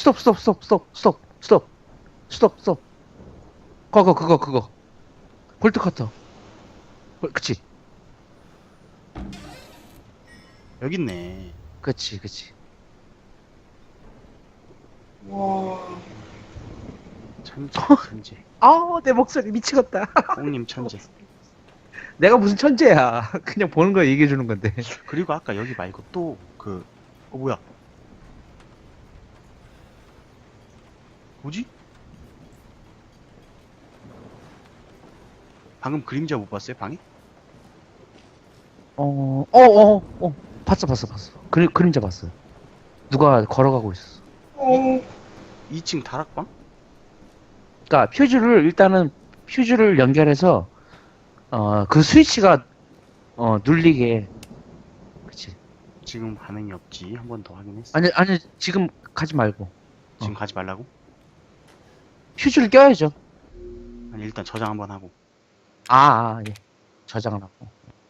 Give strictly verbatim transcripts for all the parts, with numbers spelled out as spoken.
스톱 스톱 스톱 스톱 스톱 스톱 스톱 스톱. 그거 그거 그거 볼트 커터. 어, 그치 여기 있네. 그치 그치. 와. 천재, 천재. 아우 내 목소리 미치겠다. 꽁님 천재. 내가 무슨 천재야. 그냥 보는 거 얘기해 주는 건데. 그리고 아까 여기 말고 또 그, 어 뭐야? 뭐지? 방금 그림자 못 봤어요, 방에? 어, 어, 어, 어, 봤어, 봤어, 봤어. 그림, 그림자 봤어. 누가 걸어가고 있었어. 어. 이 층 다락방? 그러니까 퓨즈를 일단은 퓨즈를 연결해서 어, 그 스위치가 어, 눌리게. 그치. 지금 반응이 없지. 한 번 더 확인했어. 아니, 아니, 지금 가지 말고. 지금 어. 가지 말라고? 퓨즈를 껴야죠. 아니, 일단 저장 한번 하고. 아, 아, 예. 저장을 하고.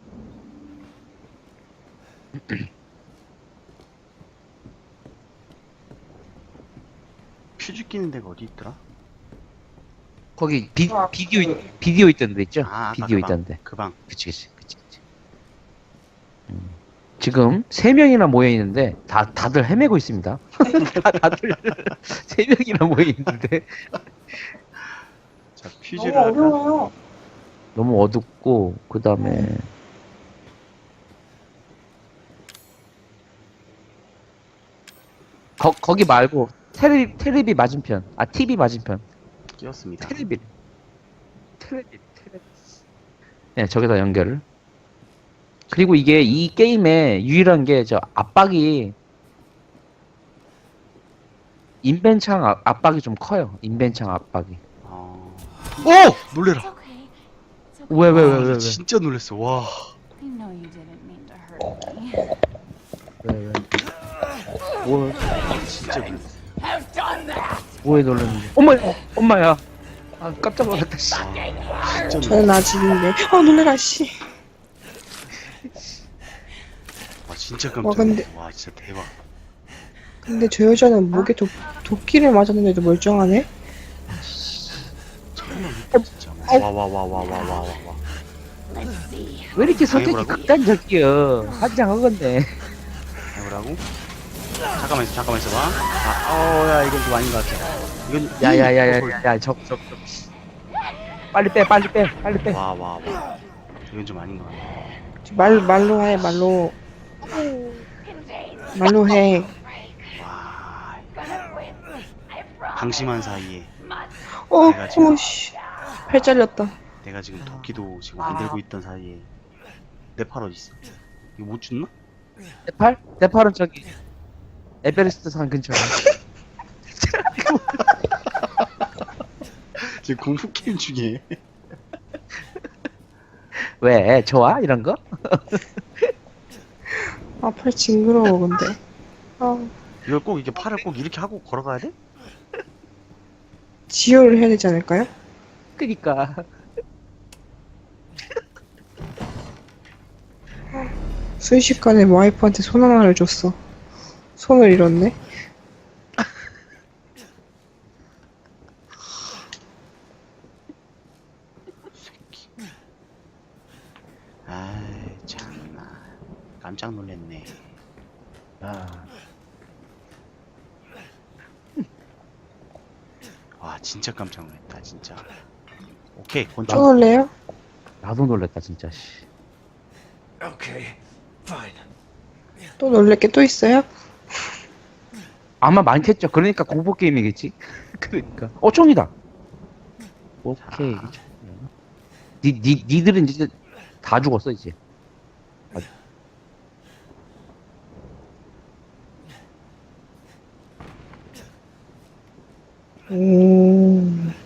퓨즈 끼는 데가 어디 있더라? 거기 비, 아, 비디오, 그- 있- 비디오 있던 데 있죠? 아, 아까 비디오 그 방. 있던 데. 그 방. 그치, 그치, 그치, 그치. 음. 지금 세 명이나 모여 있는데 다 다들 헤매고 있습니다. 다 다들 세 명이나 모여 있는데 자, 너무 퓨즈를 할까? 어려워요. 너무 어둡고 그 다음에 거 거기 말고 테레비 테레비 맞은편 아 티비 맞은편 끼웠습니다. 테레비 테레비 테레비 네 저기다 연결을. 그리고 이게 이 게임의 유일한 게 저 압박이 인벤창 압- 압박이 좀 커요. 인벤창 압박이. 어... 오! 놀래라. It's okay. It's okay. 왜 왜 왜 와, 왜 나 왜? 진짜 놀랬어. 와. I know you didn't mean to hurt me. 왜 왜? 뭐 진짜 놀랬어. 뭐에 놀랐는데? 엄마 엄마야. 아 깜짝 놀랐다 씨. 와, 진짜 저는 놀랬어. 아직인데. 어, 놀래라, 씨. 와, 진짜 와, 깜짝 근데- 놀랐어. 와, 진짜 대박. 근데 저 여자는 목에 도, 도끼를 맞았는데도 멀쩡하네? 진짜. 와, 와, 와, 와, 와, 와, 와, 와. Let's see. 왜 이렇게 선택이 당해보라고? 극단적이여? 환장하겠네. 해보라고? 잠깐만 있어, 잠깐만 있어봐. 아, 어, 야, 이건 좀 아닌 것 같아. 이건, 야야야야야 저저 저. 빨리 빼 빨리 빼 빨리 빼. 와, 와, 와. 이건 좀 아닌 것 같아. 말, 말로 해, 말로. 말로 해. 와. 방심한 사이에 어, 내가 지금- 어머, 씨. 팔 잘렸다. 내가 지금 도끼도 지금 안 들고 있던 사이에 내 팔 어디 있어? 이거 못 줬나? 네팔? 네팔은 저기 에베레스트 산 근처에. 지금 공포 게임 중에. 왜 좋아 이런 거? 아, 팔 징그러워, 근데. 아, 이걸 꼭 이게 팔을 꼭 이렇게 하고 걸어가야 돼? 지혈을 해야 되지 않을까요? 그니까. 순식간에 와이프한테 손 하나를 줬어. 손을 잃었네. 아이 참나 깜짝 놀랐네. 아, 와 진짜 깜짝 놀랐다 진짜. 오케이 또 권총. 놀래요? 나도 놀랬다 진짜. 씨. Okay, fine. 또 놀랄 게 또 있어요? 아마 많겠죠. 그러니까 공포 게임이겠지. 그러니까. 어 총이다. 오케이. 니, 니, 니들은 이제 다 죽었어 이제. 오.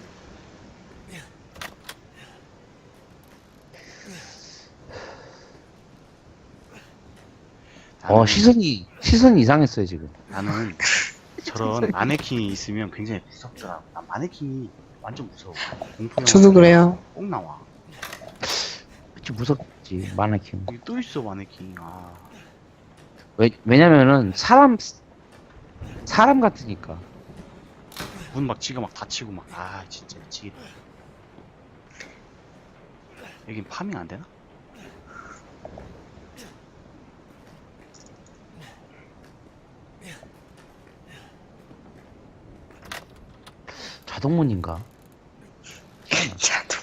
어 나는- 시선이 시선이 이상했어요 지금. 나는 저런 마네킹이 있으면 굉장히 무섭더라. 난 마네킹이 완전 무서워. 공포 영화 저도 그래요. 꼭 나와. 그치 무섭지 마네킹. 여기 또 있어 마네킹. 아 왜 왜냐면은 사람 사람 같으니까. 문 막 지가 막 닫히고 막 아 진짜 미치겠다. 여긴 파밍 안 되나? 자동문인가? 자도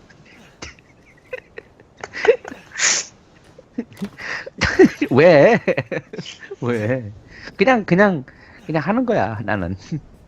왜? 왜? 그냥 그냥 그냥 하는 거야 나는.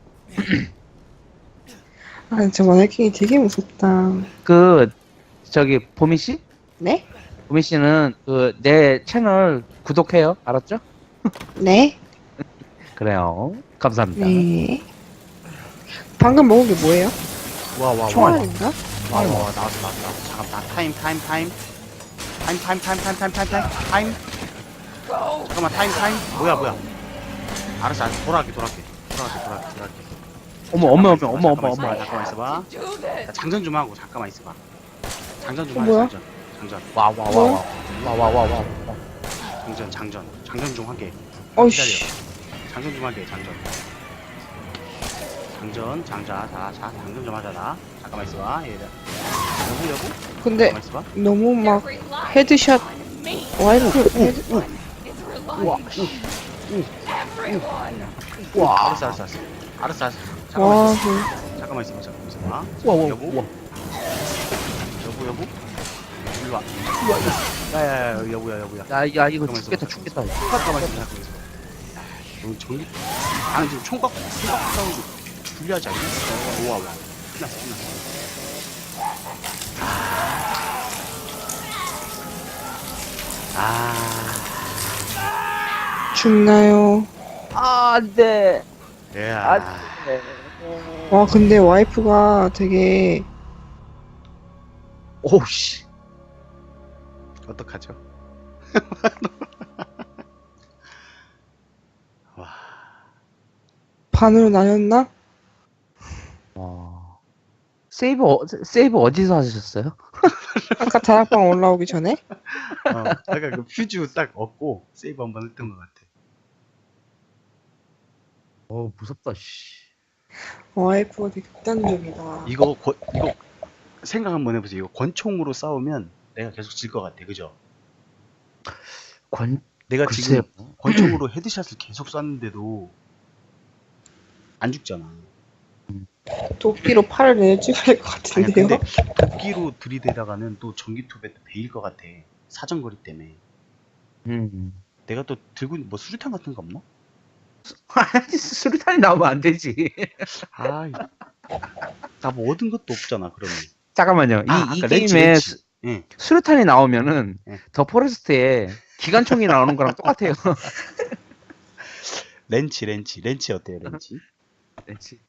아, 저 마네킹이 되게 무섭다. 그 저기 보미 씨? 네? 보미 씨는 그 내 채널 구독해요. 알았죠? 네? 그래요. 감사합니다. 네. 방금 먹은 게 뭐예요? 와와와 총알인가? 와와 나왔어 나왔어 나왔어. 잠깐 나 타임 타임 타임 타임 타임 타임 타임 타임 타임 타임 타임 잠깐만 타임 타임 뭐야 뭐야 알았어 알았어 돌아갈게 돌아갈게 돌아갈게 돌아갈게 돌아갈게 어머 어머 어머 어머 어머 잠깐만 어머. 있어봐, 잠깐만 있어봐 나 장전 좀 하고 잠깐만 있어봐 장전 좀 어, 하자 뭐야? 장전 장전 와 와 와 와 와 와 와. 장전 장전 장전 좀 할게 어이씨. 장전 좀 할게 장전 장전 장자 자, 자 장전 좀 하자 나 잠깐만 있어봐 얘들 여보 여보 근데 잠깐만 있어봐 너무 막 헤드샷 와이프 헤드 와. 와 알았어 알았어 알았어 알았어 알았어 잠깐만 와, 있어 그 잠깐만 있어봐 잠깐만 있어봐 와, 와, 여보 와. 여보 여보 일로 와 야야야 여보야 여보야 야, 야 이거 잠깐만 죽겠다 있어봐. 죽겠다. 잠깐만 있어 잠깐만 있어 너 전기 나는 지금 총각 총각 싸우고 불리하지 않냐? 우와 우와 끝났어 끝났어 아 죽나요? 아, 안 돼. 예. 안 아, 돼. 와, 근데 와이프가 되게 오우 씨. 어떡하죠? 와, 반으로 나뉘었나? 와. 세이브 어, 세이브 어디서 하셨어요? 아까 다락방 올라오기 전에? 어, 아까 그 퓨즈 딱 얻고 세이브 한번 했던 것 같아. 어, 무섭다 씨. 와이프가 되게 극단적이다. 이거 권- 이거 생각 한번 해보세요. 이거 권총으로 싸우면 내가 계속 질 것 같아, 그죠? 권 내가 글쎄요. 지금 권총으로 헤드샷을 계속 쐈는데도 안 죽잖아. 도끼로 팔을 내려 찍어야 할 것 아니 같은데요? 근데 도끼로 들이대다가는 또 전기톱에 또 베일 것 같아. 사정거리 때문에. 음. 내가 또 들고 있는 뭐 수류탄 같은 거 없나? 아니, 수류탄이 나오면 안 되지. 아, 나 뭐 얻은 것도 없잖아. 그러면. 잠깐만요. 이, 아, 이 아까 렌치, 게임에 렌치. 수, 예. 수류탄이 나오면은 예. 더 포레스트에 기관총이 나오는 거랑 똑같아요. 렌치, 렌치, 렌치 어때요, 렌치? 렌치.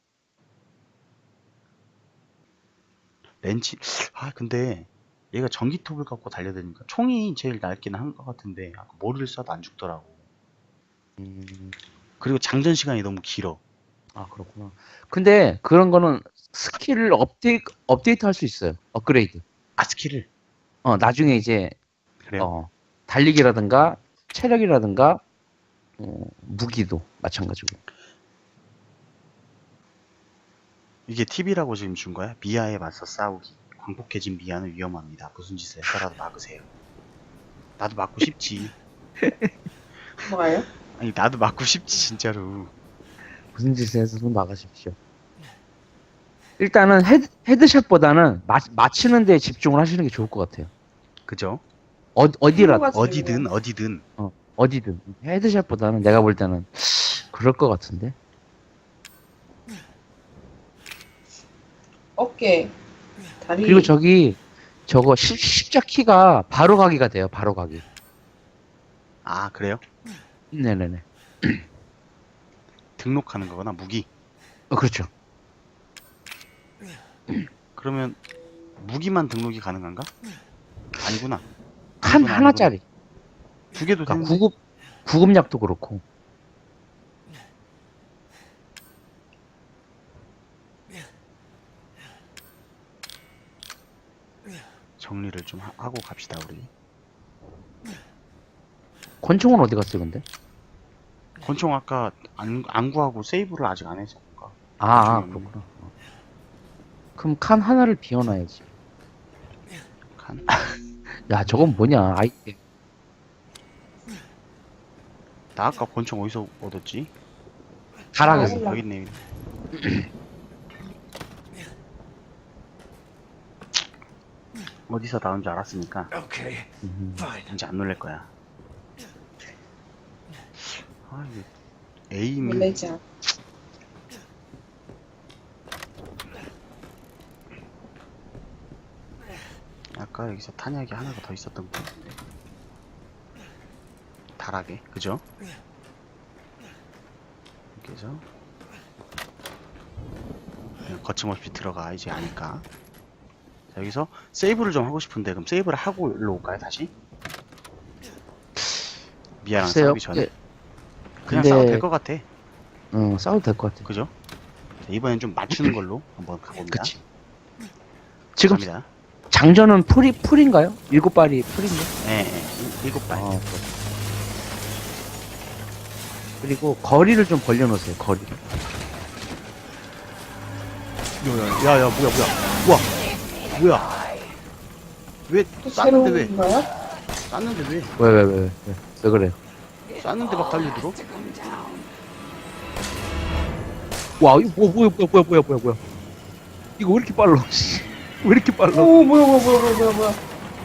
렌치. 아, 근데 얘가 전기톱을 갖고 달려드니까 총이 제일 낫긴 한 것 같은데 아까 머리를 쏴도 안 죽더라고. 음, 그리고 장전 시간이 너무 길어. 아 그렇구나. 근데 그런 거는 스킬을 업데이 업데이트 할 수 있어요. 업그레이드. 아, 스킬을. 어 나중에 이제 그래요? 어 달리기라든가 체력이라든가 어, 무기도 마찬가지고. 이게 팁이라고 지금 준 거야? 미아에 맞서 싸우기. 광폭해진 미아는 위험합니다. 무슨 짓을 해서라도 막으세요. 나도 맞고 싶지. 뭐가요? 아니, 나도 맞고 싶지, 진짜로. 무슨 짓을 해서도 막으십시오. 일단은 헤드, 헤드샷보다는 마, 맞히는 데 집중을 하시는 게 좋을 것 같아요. 그죠? 어, 어디라 친구가 어디든, 어디든. 어, 어디든 헤드샷보다는 내가 볼 때는 그럴 것 같은데. 어깨, 다리. 그리고 저기 저거 십, 십자 키가 바로 가기가 돼요. 바로 가기. 아, 그래요? 네네네. 등록하는 거구나, 무기. 어, 그렇죠. 그러면 무기만 등록이 가능한가? 아니구나. 한 아니구나, 하나짜리. 두 개도 그러니까 되는데. 구급 구급약도 그렇고. 정리를 좀 하, 고 갑시다, 우리. 권총은 어디 갔어요, 근데? 권총 아까 안, 안 구하고 세이브를 아직 안 해서 그런가? 아, 아 좀- 그렇구나. 어. 그럼 칸 하나를 비워놔야지. 칸. 야, 저건 뭐냐? 아이템. 나 아까 권총 어디서 얻었지? 가락에서. 몰라. 여기 있네. 어디서 나온 줄 알았으니까 Okay, 음. fine. 이제 안 놀랄 거야. 아, 이게 에임이 놀라지 않아. 아까 여기서 탄약이 하나가 더 있었던 것 같은데. 달하게, 그죠? 이렇게 해서 그냥 거침없이 들어가 이제 아니까. 자, 여기서 세이브를 좀 하고 싶은데 그럼 세이브를 하고 일로 올까요 다시? 미아랑 글쎄요. 싸우기 전에 예. 그냥 근데- 싸워도 될 것 같아. 응, 싸워도 될 것 같아. 그죠? 자, 이번엔 좀 맞추는 걸로 한번 가봅니다. 그치. 지금 갑니다. 장전은 풀이, 풀인가요? 일곱 발이 풀인데? 예, 예. 일곱 발. 아, 그렇 그리고 거리를 좀 벌려놓으세요, 거리를. 야, 야, 뭐야, 뭐야. 우와, 뭐야. 왜, 또 쐈는데 왜? 새로운 거야? 쐈는데 왜? 왜, 왜, 왜, 왜, 왜, 왜 그래요? 쐈는데 막 달려들어? 와, 이거 뭐, 뭐야, 뭐야, 뭐야, 뭐야, 뭐야, 뭐야. 이거 왜 이렇게 빨라, 씨. 왜 이렇게 빨라? 오, 뭐야, 뭐야, 뭐야, 뭐야, 뭐야, 뭐야.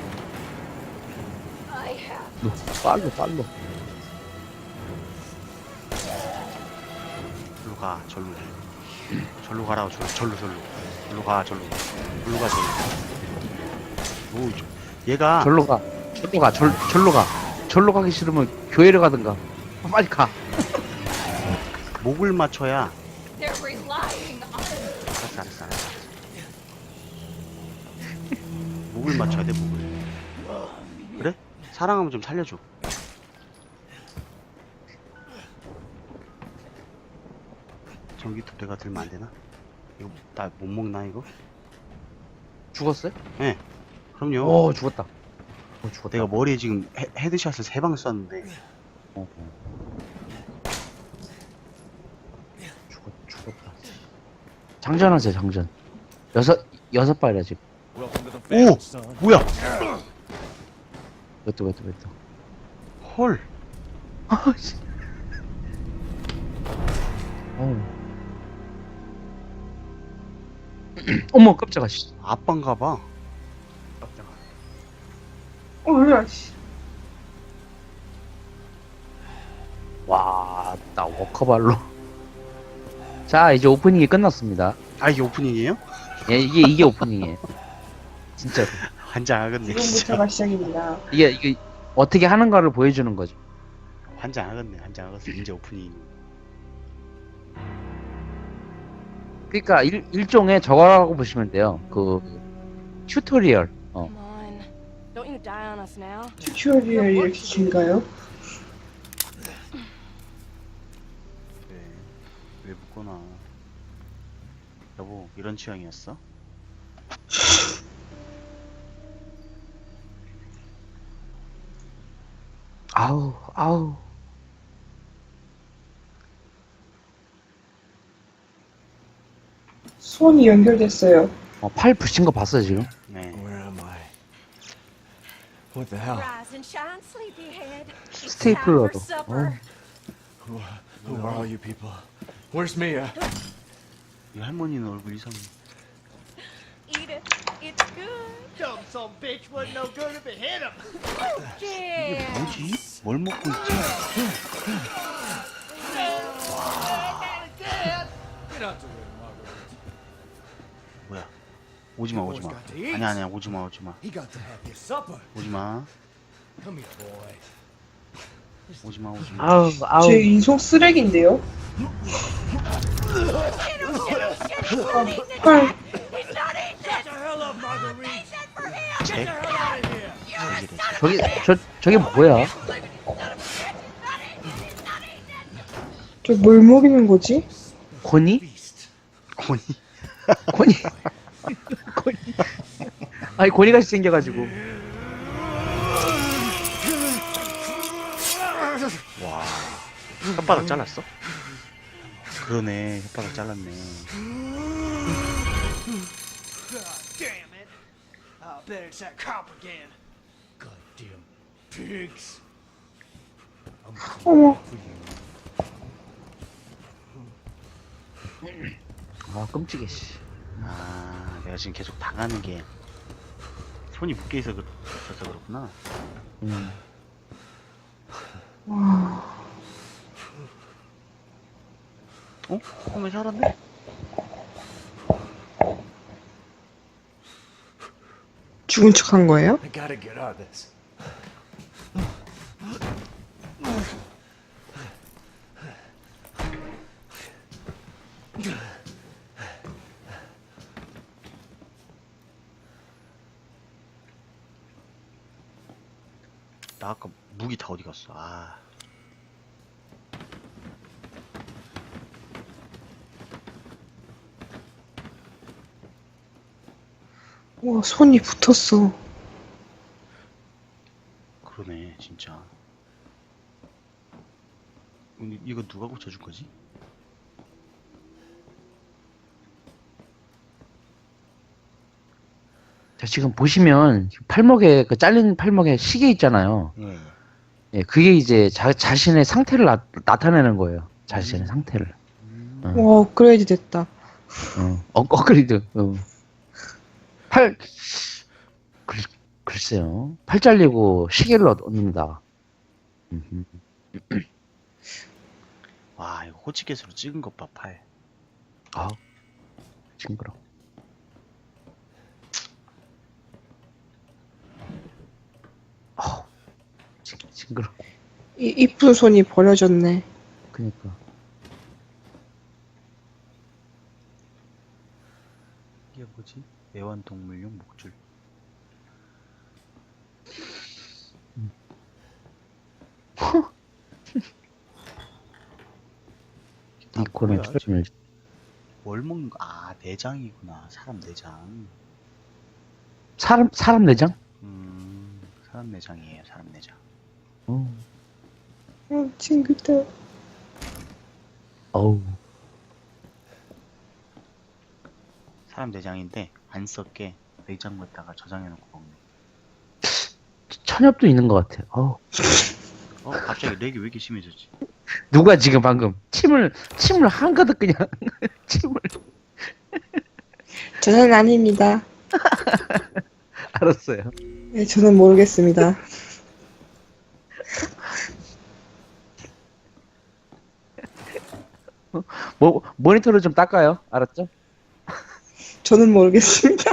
너, 빨라, 빨라. 절로 가, 절로. 절로 가라고, 절로, 절로, 절로. 절로 가, 절로. 절로 가, 절로. 오, 저- 얘가 절로 가, 절로 가, 절, 절로 가. 절로 가기 싫으면 교회를 가든가. 빨리 가. 목을 맞춰야. They're relying on 알았어, 알았어, 알았어. 목을 맞춰야 돼, 목을. 그래? 사랑하면 좀 살려줘. 전기톱 내가 들면 안 되나? 이거 나 못 먹나 이거? 죽었어요? 네. 그럼요. 오, 죽었다. 오, 죽었다. 내가 머리에 지금 헤, 헤드샷을 세 방 쐈는데. 어, 어. 죽었, 죽었다. 장전하세요, 장전. 여섯, 여섯 발이야, 지금. 오! 뭐야? 몇 도, 몇 도, 몇 도. 헐. 아, 씨. 어우. 어머, 깜짝아, 씨. 아빠인가 봐. 깜짝아. 어, 뭐야, 씨. 와, 나 워커발로. 자, 이제 오프닝이 끝났습니다. 아, 이게 오프닝이에요? 예, 이게, 이게 오프닝이에요. 진짜로. 환장하겠네, 진짜. 지금부터가 시작입니다. 이게, 이게, 어떻게 하는가를 보여주는 거죠. 환장하겠네, 환장하겠어. 이제 오프닝. 그러니까 일, 일종의 저거라고 보시면 돼요. 그 튜토리얼. 어. Come on. Don't you die on us now. 튜토리얼 이렇게 긴가요? 왜, 왜 묻거나. 여보, 이런 취향이었어? 아우, 아우. 손이 연결됐어요. 어, 팔 부신 거 봤어 지금? 네. Where am I? What the hell? Rise and shine, sleepyhead. 스테이플러도. supper. 어. Who, who are all you people? Where's Mia? 이 할머니는 얼굴 이상해. Eat it. It's good. Dumb some bitch wasn't no good if it hit him. Yeah. 뭐지? 뭘 먹고 있지? 뭐야? 오지마, 오지마. 아니야, 아니야, 오지마, 오지마. He got to have his supper. 오지마. Come here, boy. 오지마, 오지마. 아우, 아우. 제 인속 쓰레기인데요? 헐, Get the hell up, Marguerite. 잭? Get out of here. 잭이래. 저기 저 저게 뭐야? 저 뭘 먹이는 거지? 고니? 고니. 고니? 고니? 아니 고니같이 생겨가지고. 와. 혓바닥 잘랐어? 그러네. 혓바닥 잘랐네. God damn it. I bet it's that cop again. Goddamn pigs. I'm 어머, for you. 아 끔찍해 씨. 아, 내가 지금 계속 당하는 게 손이 묶여 있어 그- 있어서 그렇구나. 음. 어? 그러면 살았네? 죽은 척 한 거예요? I gotta get out of this. 나 아까 무기 다 어디 갔어? 아, 와, 손이 붙었어. 그러네, 진짜. 근데 이거 누가 고쳐줄 거지? 자, 지금 보시면 팔목에 그 잘린 팔목에 시계 있잖아요. 예. 예, 그게 이제 자, 자신의 상태를 나, 나타내는 거예요. 자신의 상태를. 어, 와, 업그레이드 됐다. 어, 어, 업그레이드. 어. 팔, 글, 글쎄요. 팔 잘리고 시계를 얻- 얻는다. 음흠. 와, 이거 호치켓으로 찍은 것 봐, 팔. 아, 징그러. 아, 징, 징그러. 이 이쁜 손이 버려졌네. 그니까. 이게 뭐지? 애완동물용 목줄. 다 이코는 뭐야? 출혈을 뭘 먹는 거? 아, 내장이구나. 사람 내장. 사람 사람 내장? 음, 사람 내장이에요, 사람 내장. 어. 어, 친구들. 어우. 사람 내장인데 안 썩게 냉장고에다가 저장해놓고 먹네. 천엽도 있는 것 같아. 어. 어, 갑자기 렉이 왜 이렇게 심해졌지? 누가 지금 방금 침을 침을 한가득 그냥 침을 저는 아닙니다. 알았어요. 네, 저는 모르겠습니다. 뭐 모니터를 좀 닦아요. 알았죠? 저는 모르겠습니다.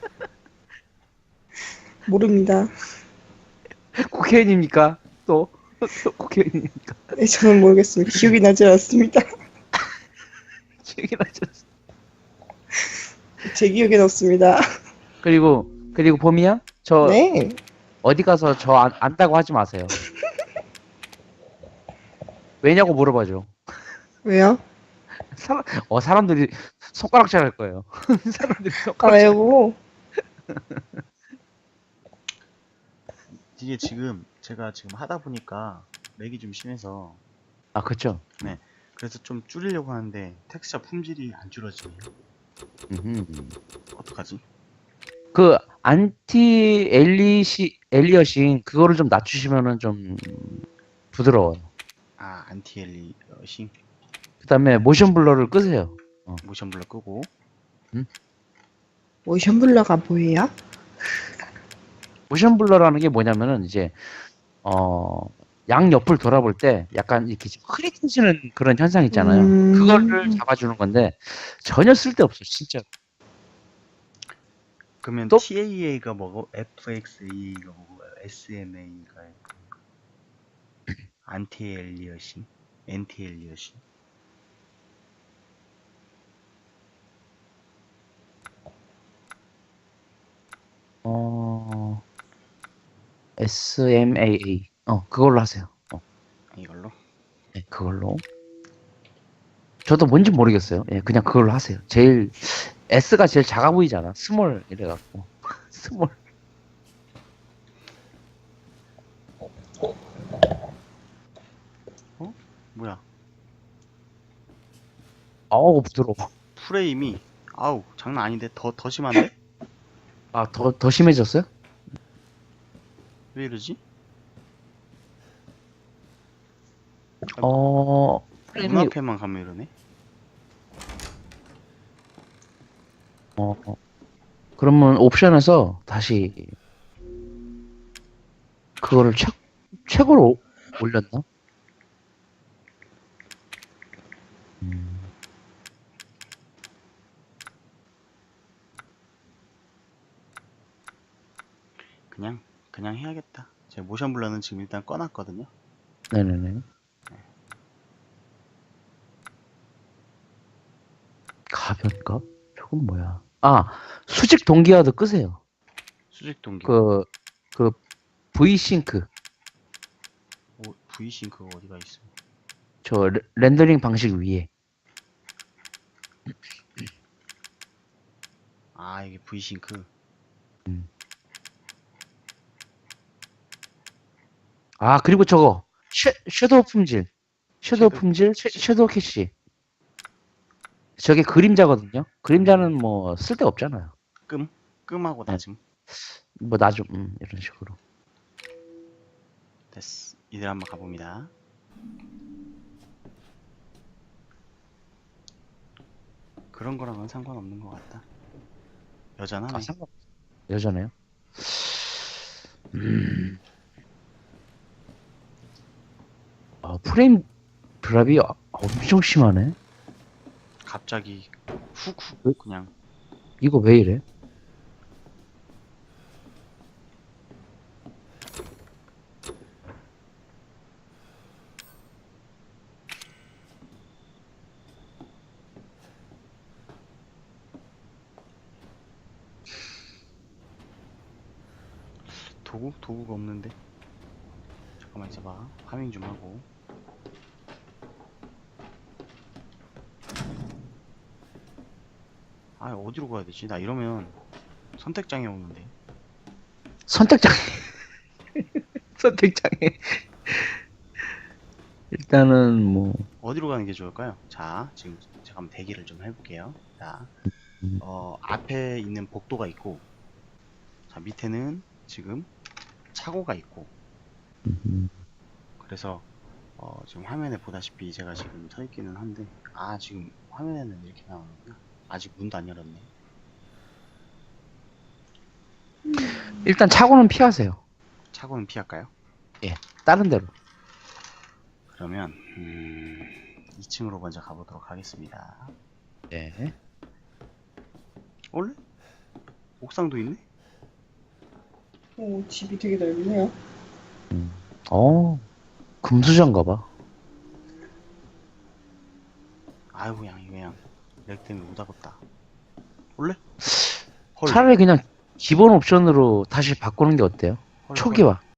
모릅니다. 국회의원입니까? 또, 또 국회의원입니까? 네, 저는 모르겠습니다. 기억이 나지 않습니다. 기억이 나죠. 제 기억엔 없습니다. 그리고 그리고 봄이야? 저 네. 어디 가서 저 안, 안다고 하지 마세요. 왜냐고 물어봐줘. 왜요? 사람 어 사람들이 손가락질 할 거예요. 사람들이 아, 손가락. 왜요? 이게 지금 제가 지금 하다 보니까 렉이 좀 심해서 아 그렇죠. 그래서 좀 줄이려고 하는데 텍스처 품질이 안 줄어지네요. 음흠. 어떡하지? 그 안티 엘리시 엘리어싱 그거를 좀 낮추시면은 좀 부드러워요. 아, 안티엘리싱 그다음에 모션 블러를 끄세요. 모션 블러 끄고. 모션 블러가 뭐예요? 모션 블러라는 게 뭐냐면은 이제 어 양옆을 돌아볼 때 약간 이렇게 좀 흐릿해지는 그런 현상 있잖아요. 음. 그거를 잡아주는 건데 전혀 쓸데없어 진짜. 그러면 또? 티에이에이가 뭐고 에프엑스이가 뭐고 에스엠에이가 안티엘리어싱, 엔티엘리어싱. 어 에스엠에이에이 어 그걸로 하세요. 어, 이걸로. 네, 그걸로. 저도 뭔지 모르겠어요. 예, 그냥 그걸로 하세요. 제일 S가 제일 작아 보이잖아. 스몰 이래갖고 스몰. 뭐야? 아우, 부드러워. 프레임이 아우 장난 아닌데 더 더 심한데? 아, 더, 더 심해졌어요? 왜 이러지? 어, 프레임이, 눈앞에만 가면 이러네. 어, 어. 그러면 옵션에서 다시, 그거를 최, 최고로 올렸나? 음. 그냥 그냥 해야겠다. 제가 모션 블러는 지금 일단 꺼놨거든요. 네네네. 가변값? 저건 뭐야? 아, 수직 동기화도 끄세요. 수직 동기. 그, 그, V싱크. 오, V싱크가 어디가 있어? 저 레- 렌더링 방식 위에. 아 이게 V싱크. 아, 그리고 저거. 쉐, 섀도우 품질. 섀도우 섀도우 품질, 쉐, 섀도우 캐시. 저게 그림자거든요. 그림자는 뭐 쓸데 없잖아요. 끔 끔하고 네. 낮음. 뭐 나좀 음, 이런 식으로. 됐어. 이들 한번 가봅니다. 그런 거랑은 상관없는 것 같다. 여전하네. 아, 상관. 여전해요. 음. 아, 프레임 드랍이 아- 엄청 심하네. 갑자기 훅훅 왜? 그냥 이거 왜 이래? 도구? 도구가 없는데. 잠깐만 있어봐. 파밍 좀 하고. 아 어디로 가야 되지? 나 이러면 선택장애 오는데. 선택장애. 선택장애. 일단은 뭐 어디로 가는 게 좋을까요? 자, 지금 잠깐만 대기를 좀 해볼게요. 자, 음. 어, 앞에 있는 복도가 있고, 자, 밑에는 지금 차고가 있고, 음, 그래서, 어, 지금 화면에 보다시피 제가 지금 서 있기는 한데, 아, 지금 화면에는 이렇게 나오는구나. 아직 문도 안 열었네. 일단 차고는 피하세요. 차고는 피할까요? 예, 다른 데로. 그러면, 음, 이 층으로 먼저 가보도록 하겠습니다. 예. 원래? 옥상도 있네? 오, 집이 되게 넓네요. 어, 금수저인가봐. 아이고, 그냥, 이거 그냥, 렉 때문에 못 하겠다. 원래? 헐, 차라리 그냥 기본 옵션으로 다시 바꾸는 게 어때요? 헐, 초기화.